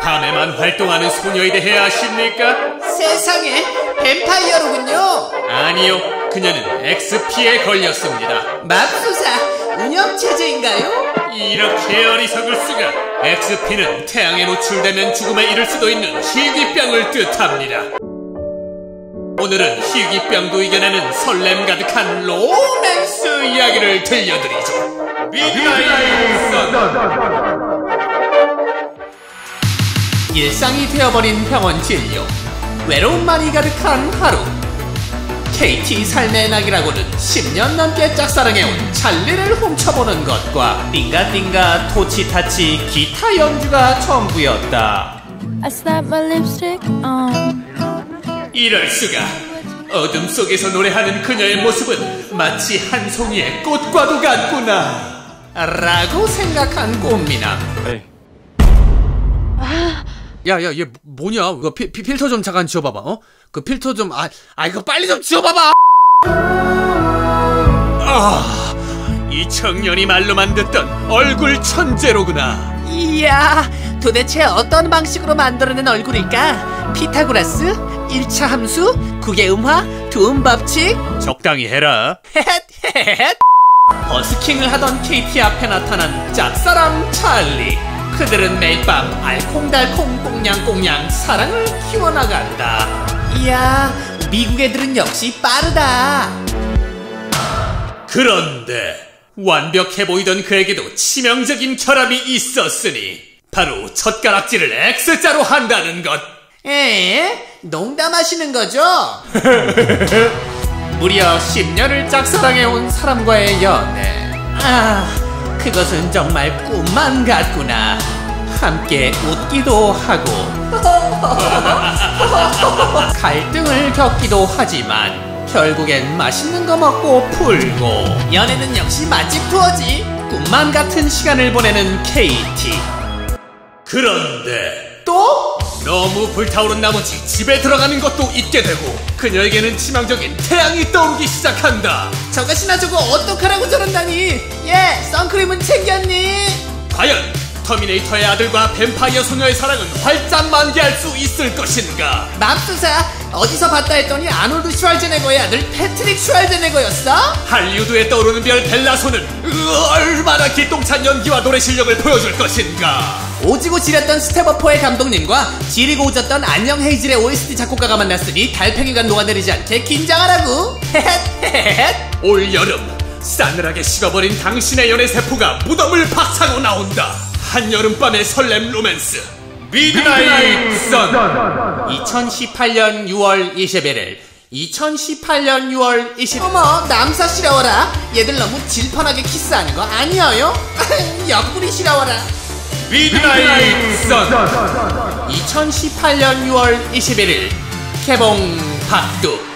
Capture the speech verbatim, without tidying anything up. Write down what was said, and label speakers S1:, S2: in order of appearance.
S1: 밤에만 활동하는 소녀에 대해 아십니까?
S2: 세상에, 뱀파이어로군요.
S1: 아니요, 그녀는 엑스피에 걸렸습니다.
S2: 맙소사, 운영체제인가요?
S1: 이렇게 어리석을 수가. 엑스피는 태양에 노출되면 죽음에 이를 수도 있는 희귀병을 뜻합니다. 오늘은 희귀병도 이겨내는 설렘 가득한 로맨스 이야기를 들려드리죠. 미드나잇 선.
S2: 일상이 되어버린 병원 진료, 외로움만이 가득한 하루. 케이티 삶의 낙이라고는 십 년 넘게 짝사랑해온 찰리를 훔쳐보는 것과 띵가띵가 토치타치 기타 연주가 전부였다.
S3: I slap my lipstick on.
S1: 이럴 수가. 어둠 속에서 노래하는 그녀의 모습은 마치 한 송이의 꽃과도 같구나
S2: 라고 생각한 꽃미남.
S1: 에이. 야야 얘 뭐냐? 그 피, 피, 필터 좀 잠깐 지워봐봐. 어? 그 필터 좀 아, 아 이거 빨리 좀 지워봐봐. 아, 이 청년이 말로만 듣던 얼굴 천재로구나.
S2: 이야, 도대체 어떤 방식으로 만들어낸 얼굴일까? 피타고라스? 일 차 함수? 국의 음화? 두음 법칙?
S1: 적당히 해라.
S2: 헤헷헤헷. 버스킹을 하던 케이티 앞에 나타난 짝사랑 찰리. 그들은 매일 밤 알콩달콩 꽁냥꽁냥 사랑을 키워나간다. 이야, 미국 애들은 역시 빠르다.
S1: 그런데 완벽해 보이던 그에게도 치명적인 결함이 있었으니 바로 젓가락질을 X자로 한다는 것.
S2: 에? 농담하시는 거죠? 무려 십 년을 짝사랑해온 사람과의 연애. 아, 그것은 정말 꿈만 같구나. 함께 웃기도 하고 갈등을 겪기도 하지만 결국엔 맛있는 거 먹고 풀고. 연애는 역시 맛집 투어지. 꿈만 같은 시간을 보내는 케이티.
S1: 그런데
S2: 또?
S1: 너무 불타오른 나머지 집에 들어가는 것도 잊게 되고 그녀에게는 치명적인 태양이 떠오르기 시작한다.
S2: 저것이나 저거 어떡하라고 저런다니. 예, 선크림은 챙겼니?
S1: 과연 터미네이터의 아들과 뱀파이어 소녀의 사랑은 활짝 만개할 수 있을 것인가?
S2: 맙소사, 어디서 봤다 했더니 아놀드 슈왈제네거의 아들 패트릭 슈왈제네거였어?
S1: 할리우드에 떠오르는 별 벨라소는 얼마나 기똥찬 연기와 노래 실력을 보여줄 것인가?
S2: 오지고 지렸던 스텝어퍼의 감독님과 지리고 오졌던 안녕 헤이즐의 오에스티 작곡가가 만났으니 달팽이가 녹아내리지 않게 긴장하라고. 헤헷헤헷.
S1: 올 여름 싸늘하게 식어버린 당신의 연애 세포가 무덤을 박차고 나온다. 한여름밤의 설렘 로맨스 미드나잇 선.
S2: 이천십팔 년 유월 이십일일 이천십팔 년 유월 이십. 어머, 남사시려워라. 얘들 너무 질펀하게 키스하는 거 아니에요? 옆구리 시려워라.
S1: 미드나잇 선.
S2: 이천십팔 년 유월 이십일일 개봉 박두.